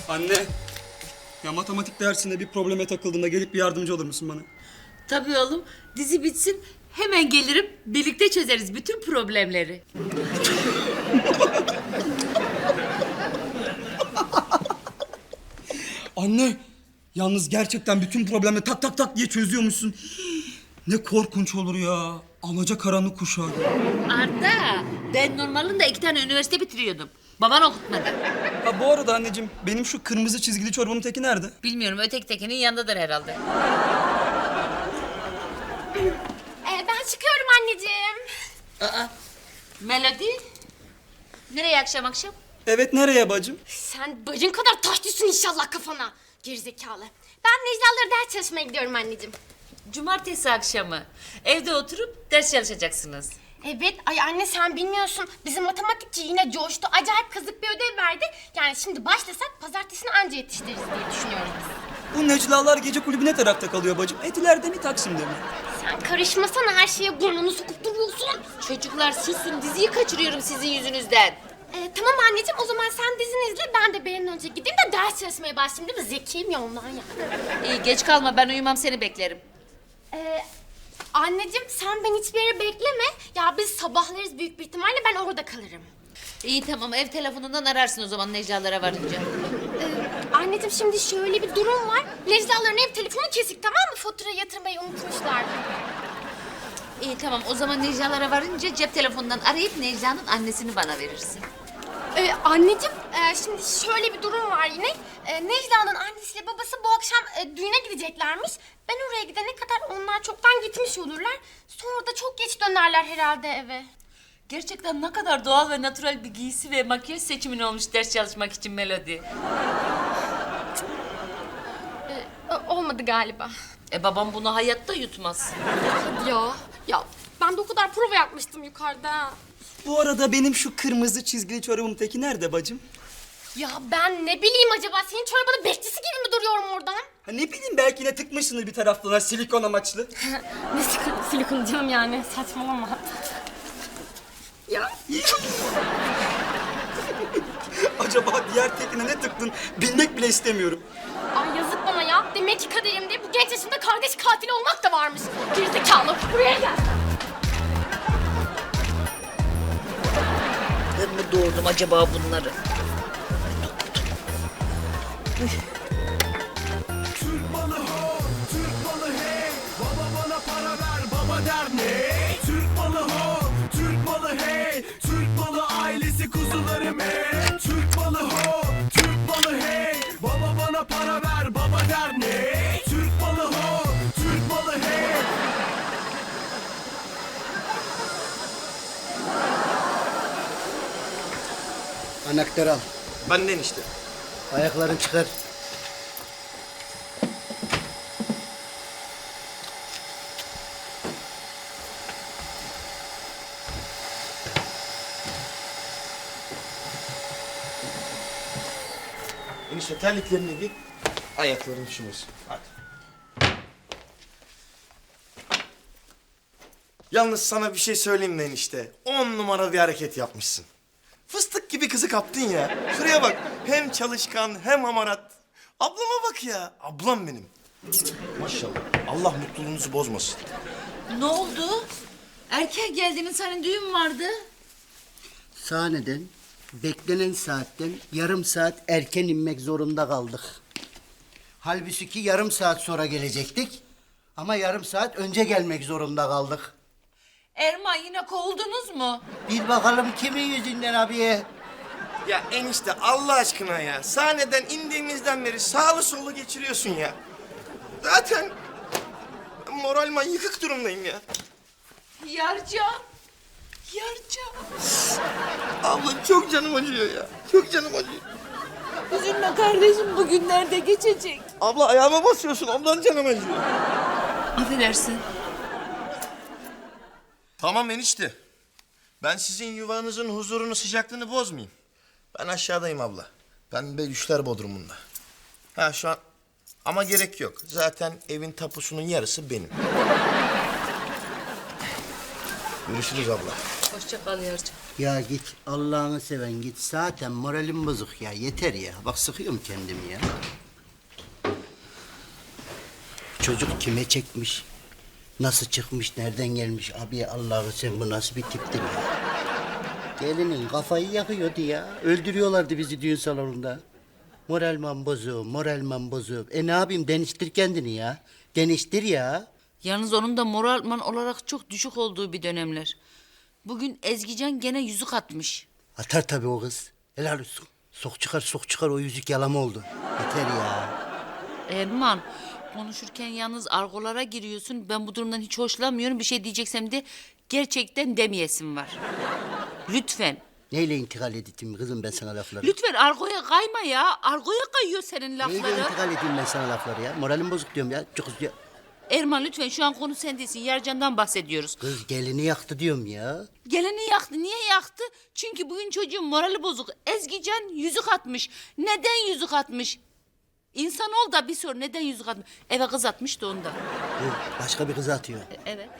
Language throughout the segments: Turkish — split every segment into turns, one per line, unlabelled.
Anne, ya matematik dersinde bir probleme takıldığında gelip bir yardımcı olur musun bana?
Tabii oğlum. Dizi bitsin hemen gelirim. Birlikte çözeriz bütün problemleri.
Anne, yalnız gerçekten bütün problemi tak tak tak diye çözüyormuşsun. Ne korkunç olur ya. Alacakaranlık kuşağı.
Arda, ben normalinde 2 tane üniversite bitiriyordum. Baban okutmadı.
Ha bu arada anneciğim, benim şu kırmızı çizgili çorbanın teki nerede?
Bilmiyorum, öteki tekinin yanındadır herhalde.
Ben çıkıyorum anneciğim.
Aa, Melody? Nereye akşam akşam?
Evet, nereye bacım?
Sen bacın kadar taş düşsün inşallah kafana. Gerizekalı. Ben Necla'ları ders çalışmaya gidiyorum anneciğim.
Cumartesi akşamı. Evde oturup ders çalışacaksınız.
Evet, ay anne sen bilmiyorsun. Bizim matematikçi yine coştu. Acayip kazık bir ödev verdi. Yani şimdi başlasak pazartesini anca yetiştiririz diye düşünüyoruz biz.
Bu Neclalar gece kulübü ne tarafta kalıyor bacım? Etiler'de mi, Taksim'de mi?
Sen karışmasana, her şeye burnunu sokup duruyorsun.
Çocuklar susun, diziyi kaçırıyorum sizin yüzünüzden.
Tamam anneciğim, o zaman sen dizini izle. Ben de bir an önce gideyim de ders çalışmaya başlayayım, değil mi? Zekiyim ya ondan ya.
İyi, geç kalma, ben uyumam, seni beklerim.
Anneciğim sen beni hiçbir yere bekleme. Ya biz sabahlarız büyük bir ihtimalle, ben orada kalırım.
İyi tamam, ev telefonundan ararsın o zaman Necla'lara varınca.
Anneciğim şimdi şöyle bir durum var. Necla'ların ev telefonu kesik, tamam mı? Fatura yatırmayı unutmuşlar.
İyi tamam, o zaman Necla'lara varınca cep telefonundan arayıp Necla'nın annesini bana verirsin.
Anneciğim şimdi şöyle bir durum var yine. Necla'nın annesiyle babası bu akşam düğüne gideceklermiş. Ben oraya gidene kadar onlar çoktan gitmiş olurlar. Sonra da çok geç dönerler herhalde eve.
Gerçekten ne kadar doğal ve natural bir giysi ve makyaj seçimin olmuş ders çalışmak için Melody.
Olmadı galiba.
Babam bunu hayatta yutmaz.
Hadi ya. Ya ben de o kadar prova yapmıştım yukarıda.
Bu arada benim şu kırmızı çizgili çorabın teki nerede bacım?
Ya ben ne bileyim, acaba senin çorbanın bekçisi gibi mi duruyorum oradan?
Ha ne bileyim, belki ne tıkmışsındır bir taraflarına silikon amaçlı.
Ne silikon canım, yani saçmalama. Ya.
Acaba diğer tekine ne tıktın bilmek bile istemiyorum.
Ay yazık bana ya. Demek ki kaderimde bu genç yaşımda kardeş katili olmak da varmış. Gerizekalı, buraya gel.
Ben mi doğurdum acaba bunları?
Türk malı ho, Türk malı hey. Baba bana para ver, baba der ne? Türk malı ho, Türk malı hey. Türk malı ailesi kuzularım hey. Türk malı ho, Türk malı hey. Baba bana para ver, baba der ne? Türk malı ho, Türk malı hey.
Anahtarı al.
Benden işte.
Ayaklarını çıkar.
Enişte terliklerini giy. Ayakların üşümesin. Hadi. Yalnız sana bir şey söyleyeyim mi enişte? 10 numara bir hareket yapmışsın. Fıstık gibi kızı kaptın ya. Şuraya bak. Hem çalışkan hem hamarat. Ablama bak ya. Ablam benim. Maşallah. Allah mutluluğunuzu bozmasın.
Ne oldu? Erken geldiğinin senin düğün vardı.
Sahneden beklenen saatten yarım saat erken inmek zorunda kaldık. Halbuki yarım saat sonra gelecektik. Ama yarım saat önce gelmek zorunda kaldık.
Erman, yine kovuldunuz mu?
Bir bakalım kimin yüzünden abiye.
Ya enişte Allah aşkına ya. Sahneden indiğimizden beri sağlı sollu geçiriyorsun ya. Zaten moral yıkık durumdayım ya.
Yarcan. Yarcan.
Abla çok canım acıyor ya. Çok canım acıyor.
Üzülme kardeşim, bugünlerde geçecek.
Abla ayağıma basıyorsun. Ondan canım acıyor.
Affedersin.
Tamam enişte. Ben sizin yuvanızın huzurunu, sıcaklığını bozmayayım. Ben aşağıdayım abla. Ben Belüşler Bodrumu'nda. Ha şu an... Ama gerek yok. Zaten evin tapusunun yarısı benim. Görüşürüz abla.
Hoşça kal Yarcan.
Ya git Allah'ını seven git. Zaten moralim bozuk ya. Yeter ya. Bak sıkıyorum kendimi ya. Çocuk kime çekmiş? Nasıl çıkmış? Nereden gelmiş? Abi Allah'ını sen bu nasıl bir tiptir ya? Gelinin kafayı yakıyordu ya. Öldürüyorlardı bizi düğün salonunda. Moralman bozuk, moralman bozuk. Ne yapayım? Deniştir kendini ya. Deniştir ya.
Yalnız onun da moralman olarak çok düşük olduğu bir dönemler. Bugün Ezgican gene yüzük atmış.
Atar tabii o kız. Helal olsun. Sok çıkar o yüzük yalama oldu. Yeter ya.
Erman, konuşurken yalnız argolara giriyorsun. Ben bu durumdan hiç hoşlanmıyorum. Bir şey diyeceksem de gerçekten demeyesim var. Lütfen.
Neyle intikal edeyim kızım ben sana lafları?
Lütfen argoya kayma ya. Argoya kayıyor senin
Neyle
lafları.
intikal edeyim ben sana lafları ya? Moralim bozuk diyorum ya. Çok ya.
Erman lütfen şu an konu sen değilsin. Yarcan'dan bahsediyoruz.
Kız gelini yaktı diyorum ya.
Geleni yaktı. Niye yaktı? Çünkü bugün çocuğun morali bozuk. Ezgican yüzük atmış. Neden yüzük atmış? İnsan ol da bir sor neden yüzük atmış? Eve kız atmış da ondan.
Bu başka bir kızı atıyor.
Evet.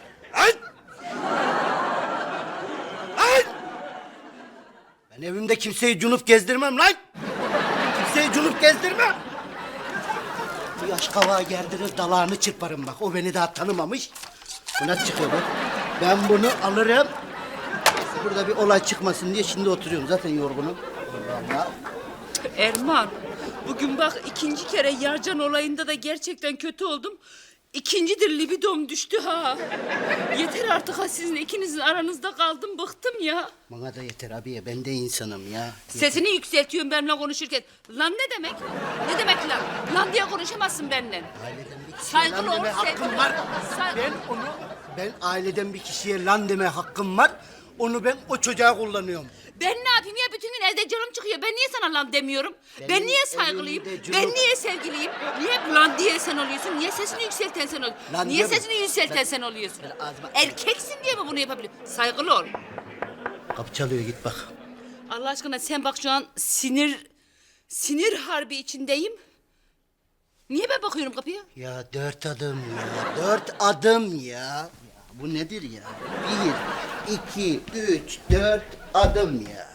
Ben evimde kimseyi cunup gezdirmem lan. Kimseyi cunup gezdirmem. Bu yaş kavağa gerdiniz dalağını çırparım bak. O beni daha tanımamış. Buna çıkıyor bak. Ben bunu alırım. Burada bir olay çıkmasın diye şimdi oturuyorum. Zaten yorgunum. Allah Allah.
Erman, bugün bak ikinci kere Yarcan olayında da gerçekten kötü oldum. İkincidir libidom düştü ha. Yeter artık ha sizin ikinizin aranızda kaldım bıktım ya.
Bana da yeter abiye. Ben de insanım ya.
Sesini yükseltiyorsun benimle konuşurken. Lan ne demek? Ne demek lan? Lan diye konuşamazsın benimle.
Aileden bir kişiye
Saygılı
lan
ol,
deme hakkım
saygılı
var.
ol. Saygılı.
Ben aileden bir kişiye lan deme hakkım var. Onu ben o çocuğa kullanıyorum.
Ben ne yapayım ya bütün gün evde canım çıkıyor. Ben niye sana lan demiyorum?
Benim
Ben niye saygılıyım?
evimde
Ben
canım-
niye sevgiliyim? Niye hep lan diye sen oluyorsun? Niye sesini yükselten sen oluyorsun?
Lan
Niye
diyorum.
sesini yükselten
Ben-
sen oluyorsun?
Ben ağzıma-
Erkeksin diye mi bunu yapabiliyorsun? Saygılı ol.
Kapı çalıyor git bak.
Allah aşkına sen bak şu an sinir harbi içindeyim. Niye ben bakıyorum kapıya?
Ya 4 adım ya. 4 adım ya. Bu nedir ya? 1, 2, 3, 4 adım ya.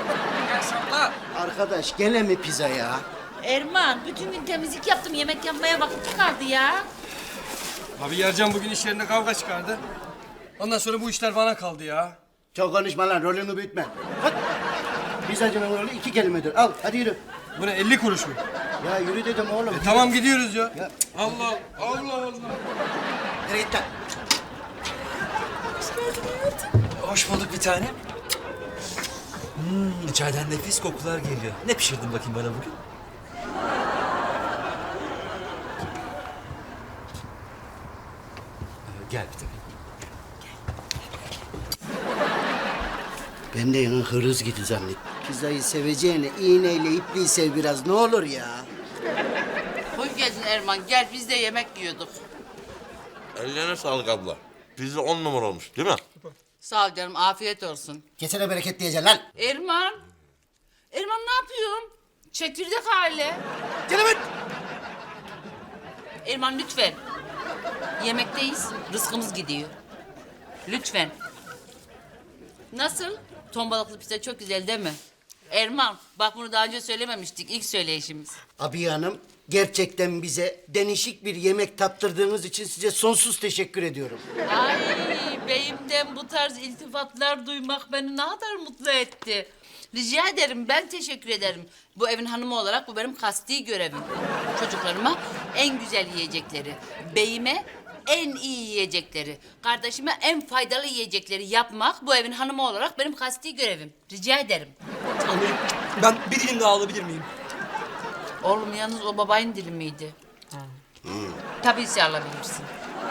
Arkadaş gene mi pizza ya?
Erman bütün gün temizlik yaptım. Yemek yapmaya vakit kaldı ya.
Abi Yarcan bugün iş yerinde kavga çıkardı. Ondan sonra bu işler bana kaldı ya.
Çok konuşma lan rolünü büyütme. Hadi. Pizzacının rolü 2 kelimedir. Al hadi yürü.
Bu ne 50 kuruş mu?
Ya yürü dedim oğlum.
Tamam gidiyoruz ya.
Ya.
Allah Allah.
Nereye git lan?
Hoş bulduk bir tanem. İçeriden nefis kokular geliyor. Ne pişirdin bakayım bana bugün? Gel bir tanem.
Ben de yanın hırız gidi zannettim. Pizzayı seveceğine iğneyle ipliği sev biraz ne olur ya.
Hoş geldin Erman. Gel biz de yemek yiyorduk.
Ellerine sağlık abla. Pizza 10 numara olmuş değil mi?
Sağ ol canım. Afiyet olsun.
Kesene bereket diyeceksin lan.
Erman. Erman ne yapıyorsun? Çekirdek aile.
Gelemet.
Erman lütfen. Yemekteyiz. Rızkımız gidiyor. Lütfen. Nasıl? Ton balıklı pizza çok güzel değil mi? Erman bak bunu daha önce söylememiştik. İlk söyleyişimiz.
Abiye Hanım gerçekten bize denişik bir yemek tattırdığınız için size sonsuz teşekkür ediyorum.
Ay beyimden bu tarz iltifatlar duymak beni ne kadar mutlu etti. Rica ederim ben teşekkür ederim. Bu evin hanımı olarak bu benim kasti görevim. Çocuklarıma en güzel yiyecekleri, beyime en iyi yiyecekleri, kardeşime en faydalı yiyecekleri yapmak bu evin hanımı olarak benim kasti görevim. Rica ederim.
Amirim ben bir dilim daha alabilir miyim?
Oğlum yalnız o babayın dili miydi? Tabii ki alabilirsin.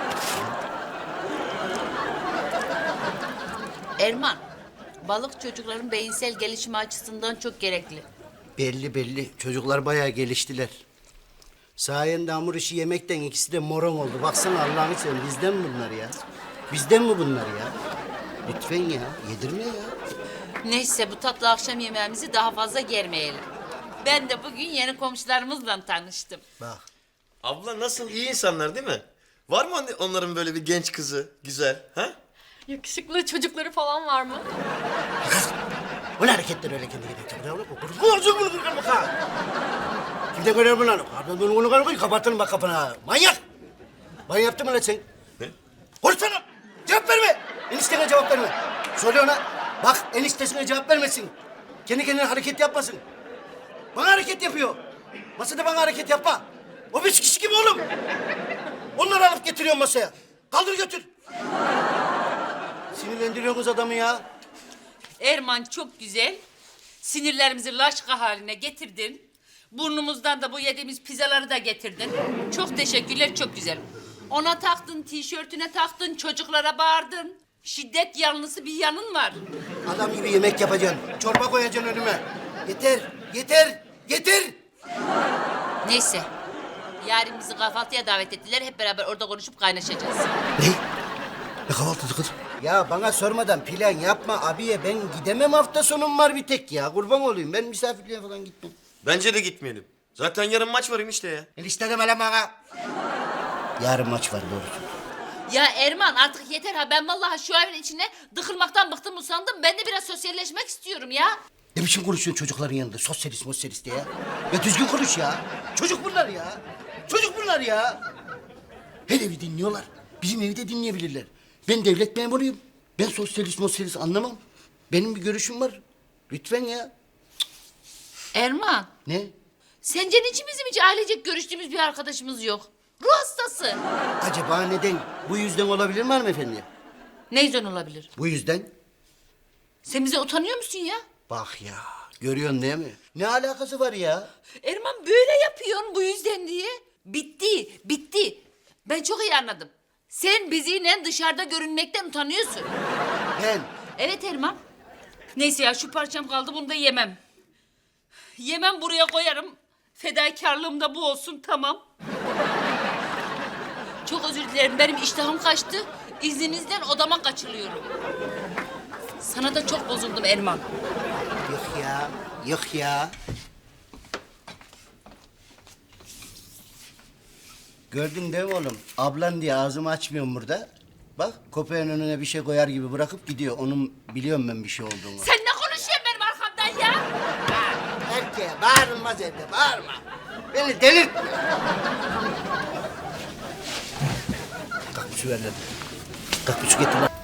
Erman, balık çocukların beyinsel gelişimi açısından çok gerekli.
Belli çocuklar bayağı geliştiler. Sayende hamur işi yemekten ikisi de moron oldu. Baksana Allah'ını seversen bizden mi bunlar ya? Bizden mi bunlar ya? Lütfen ya yedirme ya.
Neyse bu tatlı akşam yemeğimizi daha fazla germeyelim. Ben de bugün yeni komşularımızla tanıştım.
Bak
Abla nasıl iyi insanlar değil mi? Var mı onların böyle bir genç kızı güzel ha?
Yakışıklı çocukları falan var mı?
O ne hareketler öyle kendi kendine? Kimde görüyor bunu lan? Bunu kapatın bak kapına. Manyak! Manyak yaptın mı lan sen?
Ne?
Konuşsana! Cevap verme! Eniştene cevap verme. Söyle ona. Bak eniştesine cevap vermesin. Kendi kendine hareket yapmasın. Bana hareket yapıyor. Masada bana hareket yapma. O 5 kişi gibi oğlum. Onları alıp getiriyorum masaya. Kaldır götür. Sinirlendiriyorsunuz adamı ya.
Erman çok güzel. Sinirlerimizi laşka haline getirdin. Burnumuzdan da bu yediğimiz pizzaları da getirdin. Çok teşekkürler, çok güzel. Ona taktın, tişörtüne taktın, çocuklara bağırdın. Şiddet yanlısı bir yanın var.
Adam gibi yemek yapacaksın. Çorba koyacaksın önüme. Yeter, yeter, yeter.
Neyse. Yarın bizi kahvaltıya davet ettiler. Hep beraber orada konuşup kaynaşacağız.
Ne? Ne kahvaltısı kız? Ya bana sormadan plan yapma abiye. Ben gidemem, hafta sonum var bir tek ya. Kurban olayım, ben misafirliğe falan gitmem.
Bence de gitmeyelim. Zaten yarın maç var enişte ya.
Enişte deme lan bana. Yarın maç var doğrusu.
Ya Erman artık yeter ha. Ben vallahi şu evin içine dıkılmaktan bıktım usandım. Ben de biraz sosyalleşmek istiyorum ya.
Ne biçim konuşuyorsun çocukların yanında? Sosyalist mosyalist diye ya. Ya düzgün konuş ya. Çocuk bunlar ya. Çocuk bunlar ya. Her evi dinliyorlar. Bizim evi de dinleyebilirler. Ben devlet memuruyum. Ben sosyalist mosyalist anlamam. Benim bir görüşüm var. Lütfen ya.
Erman,
Ne?
sence niçin bizim hiç ailecek görüştüğümüz bir arkadaşımız yok? Ruh hastası.
Acaba neden? Bu yüzden olabilir mi hanımefendi?
Ne yüzden olabilir?
Bu yüzden.
Sen bize utanıyor musun ya?
Bak ya. Görüyorsun değil mi? Ne alakası var ya?
Erman böyle yapıyorsun bu yüzden diye. Bitti, bitti. Ben çok iyi anladım. Sen bizimle dışarıda görünmekten utanıyorsun.
Ben.
Evet Erman. Neyse ya şu parçam kaldı bunu da yemem. Yemem buraya koyarım. Fedakarlığım da bu olsun tamam. Çok özür dilerim benim iştahım kaçtı. İzninizden odama kaçırıyorum. Sana da çok bozuldum Erman.
Yok ya. Yok ya. Gördün değil mi oğlum? Ablan diye ağzımı açmıyorum burada. Bak köpeğin önüne bir şey koyar gibi bırakıp gidiyor. Onun biliyorum ben bir şey olduğunu.
Sen ne konuşuyorsun benim arkamdan ya?
Erkeğe bağırılmaz evde, bağırma. Beni delirtme. Kalk bir su ver lan. Kalk bir su getir lan.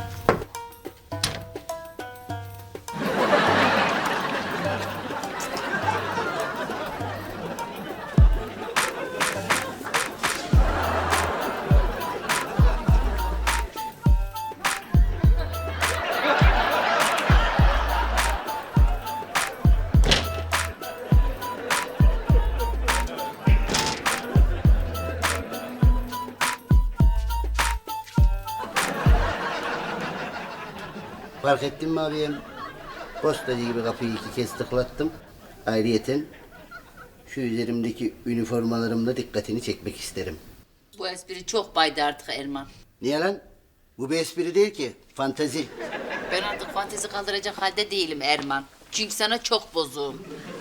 Fark ettin mi abim? Postacı gibi kapıyı 2 kez tıklattım. Ayrıyeten şu üzerimdeki üniformalarımla dikkatini çekmek isterim.
Bu espri çok baydı artık Erman.
Niye lan? Bu bir espri değil ki. Fantezi.
Ben artık fantezi kaldıracak halde değilim Erman. Çünkü sana çok bozuğum.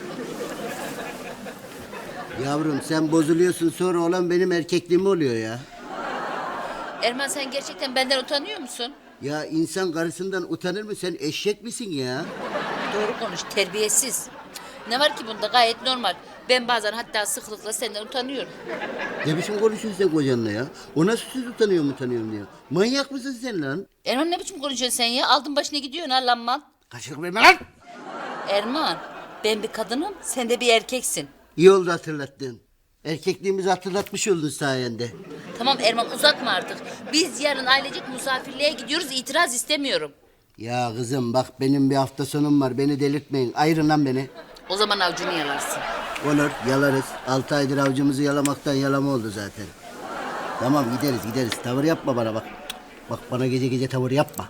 Yavrum sen bozuluyorsun sonra olan benim erkekliğim oluyor ya.
Erman sen gerçekten benden utanıyor musun?
Ya insan karısından utanır mı? Sen eşek misin ya?
Doğru konuş, terbiyesiz. Ne var ki bunda gayet normal. Ben bazen hatta sıklıkla senden utanıyorum.
Ne biçim konuşuyorsun sen kocanla ya? O nasıl söz utanıyorum diyor. Manyak mısın sen lan?
Erman ne biçim konuşuyorsun sen ya? Aldın başına gidiyorsun ha lanman.
Kaçırık verme lan!
Erman, ben bir kadınım, sen de bir erkeksin.
İyi oldu hatırlattın. Erkekliğimizi hatırlatmış oldun sayende.
Tamam Erman uzatma artık. Biz yarın ailecek misafirliğe gidiyoruz, itiraz istemiyorum.
Ya kızım bak benim bir hafta sonum var. Beni delirtmeyin. Ayırın lan beni.
O zaman avcunu yalarsın.
Olur yalarız. 6 aydır avcımızı yalamaktan yalama oldu zaten. Tamam gideriz. Tavır yapma bana bak. Bak bana gece gece tavır yapma.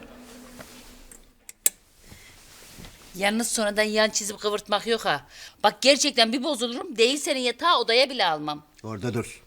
Yalnız sonradan yan çizip kıvırtmak yok ha. Bak gerçekten bir bozulurum, değil senin yatağı odaya bile almam.
Orada dur.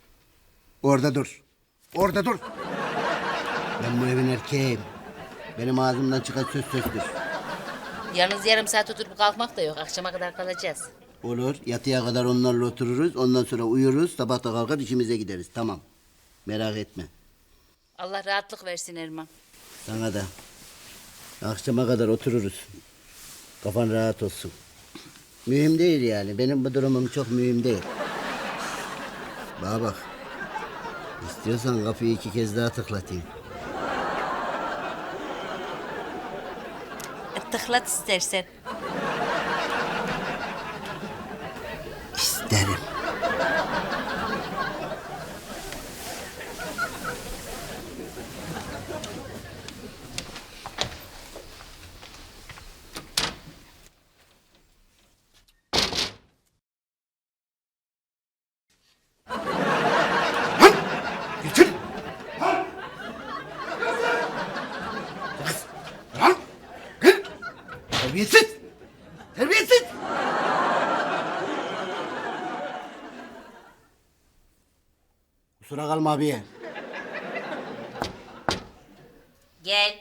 Ben bu evin erkeğiyim. Benim ağzımdan çıkan söz sözdür.
Yalnız yarım saat oturup kalkmak da yok, akşama kadar kalacağız.
Olur. Yatıya kadar onlarla otururuz. Ondan sonra uyuruz. Sabah da kalkar işimize gideriz. Tamam. Merak etme.
Allah rahatlık versin Erman.
Sana da. Akşama kadar otururuz. Kafan rahat olsun. Mühim değil yani. Benim bu durumum çok mühim değil. Bana bak. İstiyorsan kapıyı 2 kez daha tıklatayım.
Tıklat istersen.
İsterim. Getir. Lan. Gel. Terbiyesiz. Terbiyesiz. Kusura kalma abiye.
Gel.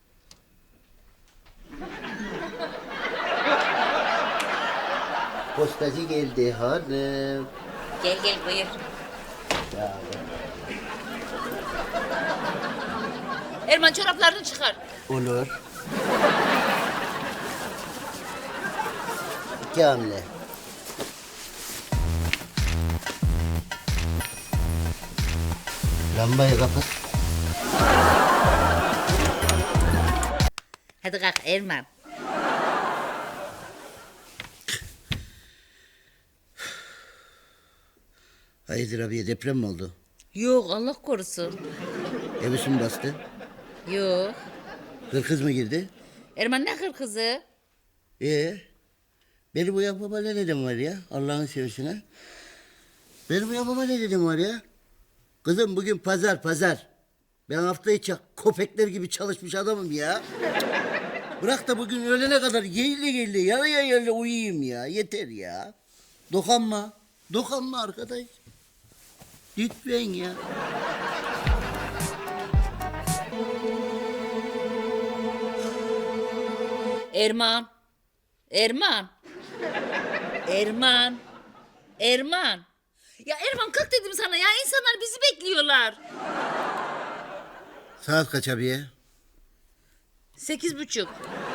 Postacı geldi hanım.
Gel gel buyur. Erman çoraplarını çıkar.
Olur. 2 hamle. Lambayı kapat.
Hadi kalk Erman.
Hayırdır abiye, deprem mi oldu?
Yok Allah korusun.
Evi su mu bastı?
Yok.
Hırkız mı girdi?
Erman ne kızı?
Benim uyandırma ne dedim var ya? Allah'ın seversen ha? Benim uyandırma ne dedim var ya? Kızım bugün pazar. Ben hafta içi köpekler gibi çalışmış adamım ya. Bırak da bugün öğlene kadar yerli yarıya uyuyayım ya. Yeter ya. Dokanma arkadaş. Lütfen ya.
Erman. Ya Erman kalk dedim sana ya, insanlar bizi bekliyorlar.
Saat kaç abiye?
8:30.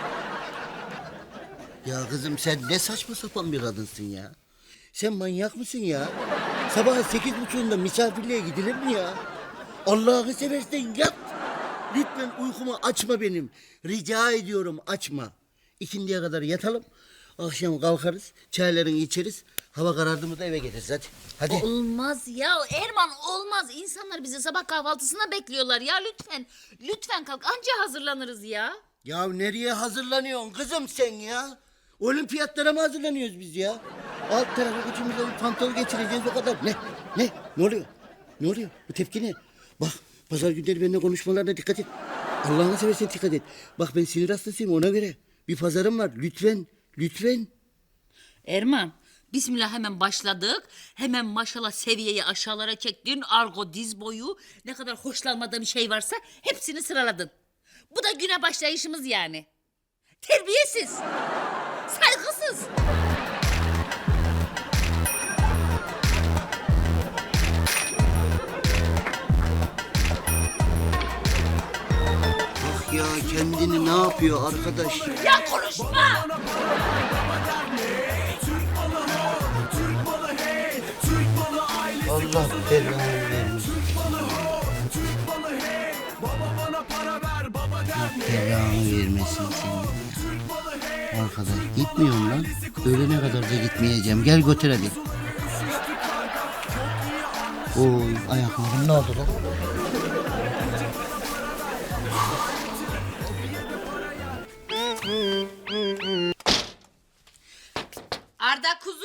Ya kızım sen ne saçma sapan bir kadınsın ya. Sen manyak mısın ya? Sabah 8:30'da misafirliğe gidilir mi ya? Allah'ını seversen yat. Lütfen uykumu açma benim. Rica ediyorum açma. İkindiye kadar yatalım. Akşam kalkarız, çaylarını içeriz. Hava karardı mı da eve geliriz hadi. Hadi.
Olmaz ya Erman, olmaz. İnsanlar bizi sabah kahvaltısına bekliyorlar ya, lütfen. Lütfen kalk, anca hazırlanırız ya.
Ya nereye hazırlanıyorsun kızım sen ya? Olimpiyatlara mı hazırlanıyoruz biz ya? Alt tarafı ucumuza bir pantol geçireceğiz o kadar. Ne? Ne oluyor? Ne oluyor? Bu tepki ne? Bak pazar günleri benimle konuşmalarına dikkat et. Allah'ını seversen dikkat et. Bak ben sinir hastasıyım ona göre. Bir pazarım var lütfen.
Erman, bismillah hemen başladık. Hemen maşallah seviyeyi aşağılara çektin. Argo diz boyu. Ne kadar hoşlanmadığım şey varsa hepsini sıraladın. Bu da güne başlayışımız yani. Terbiyesiz. Saygısız.
Bak ya kendini ne yapıyor arkadaş?
Ya konuşma.
Allah belanı vermesin. Belanı vermesin seni. Arkadaş gitmiyorum lan. Öğlene kadar da gitmeyeceğim. Gel götür hadi. Oy ayaklarım ne oldu lan?
Arda kuzu.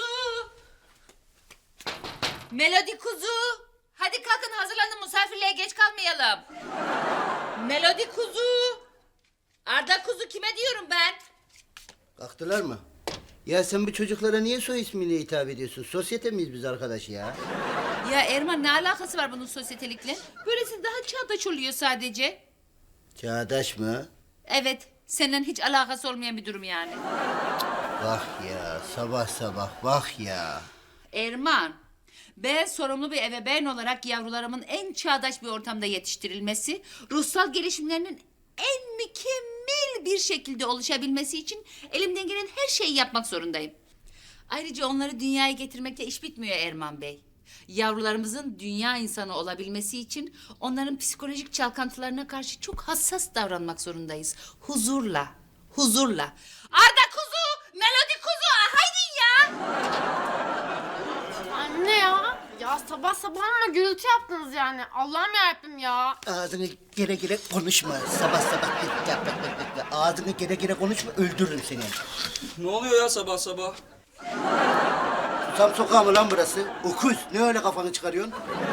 Melodi kuzu. Hadi kalkın, hazırlanın, misafirliğe geç kalmayalım. Melodi kuzu. Arda kuzu, kime diyorum ben?
Kalktılar mı? Ya sen bu çocuklara niye soy ismiyle hitap ediyorsun? Sosyete miyiz biz arkadaş ya?
Ya Erman, ne alakası var bunun sosyetelikle? Böylesi daha çağdaş oluyor sadece.
Çağdaş mı?
Evet, seninle hiç alakası olmayan bir durum yani.
Bak ya sabah bak ya.
Erman, ben sorumlu bir ebeveyn olarak yavrularımın en çağdaş bir ortamda yetiştirilmesi, ruhsal gelişimlerinin en mükemmel bir şekilde oluşabilmesi için elimden gelen her şeyi yapmak zorundayım. Ayrıca onları dünyaya getirmekte iş bitmiyor Erman Bey. Yavrularımızın dünya insanı olabilmesi için onların psikolojik çalkantılarına karşı çok hassas davranmak zorundayız. Huzurla, huzurla. Arda kuzu, Melodi kuzu, haydi ya!
Anne ya. Ya sabah sabah ama gürültü yaptınız yani. Allah'ım yarabbim ya.
Ağzını gere gere konuşma. Sabah sabah ağzını gere gere konuşma, öldürürüm seni.
Ne oluyor ya sabah sabah?
Susam sokağı mı lan burası? Okuz. Ne öyle kafanı çıkarıyorsun?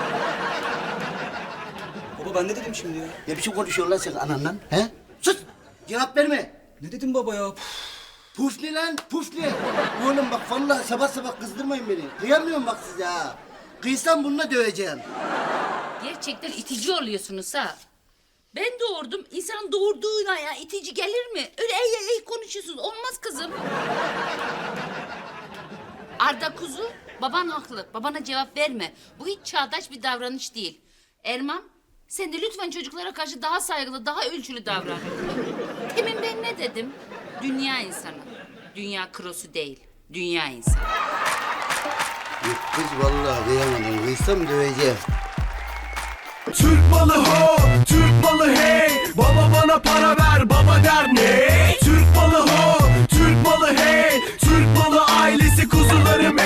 Baba ben ne dedim şimdi ya?
Ne biçim konuşuyorsun lan sen ananla? He? Sus! Cevap verme.
Ne dedim baba ya?
Puf ne lan? Puf ne? Oğlum bak vallahi sabah sabah kızdırmayın beni. Kıyamıyorum bak size ha. Kıysam bununla döveceğim.
Gerçekten itici oluyorsunuz ha. Ben doğurdum, insanın doğurduğuna ya itici gelir mi? Öyle ey konuşuyorsunuz, olmaz kızım. Arda kuzu, baban haklı. Babana cevap verme. Bu hiç çağdaş bir davranış değil. Erman, sen de lütfen çocuklara karşı daha saygılı, daha ölçülü davran. Demin ben ne dedim? Dünya insanı. Dünya krosu değil, dünya insanı.
Yok kız vallahi kıyamadım. Kıysam döveceğim.
Türk malı ho, Türk malı hey. Baba bana para ver, baba der ne?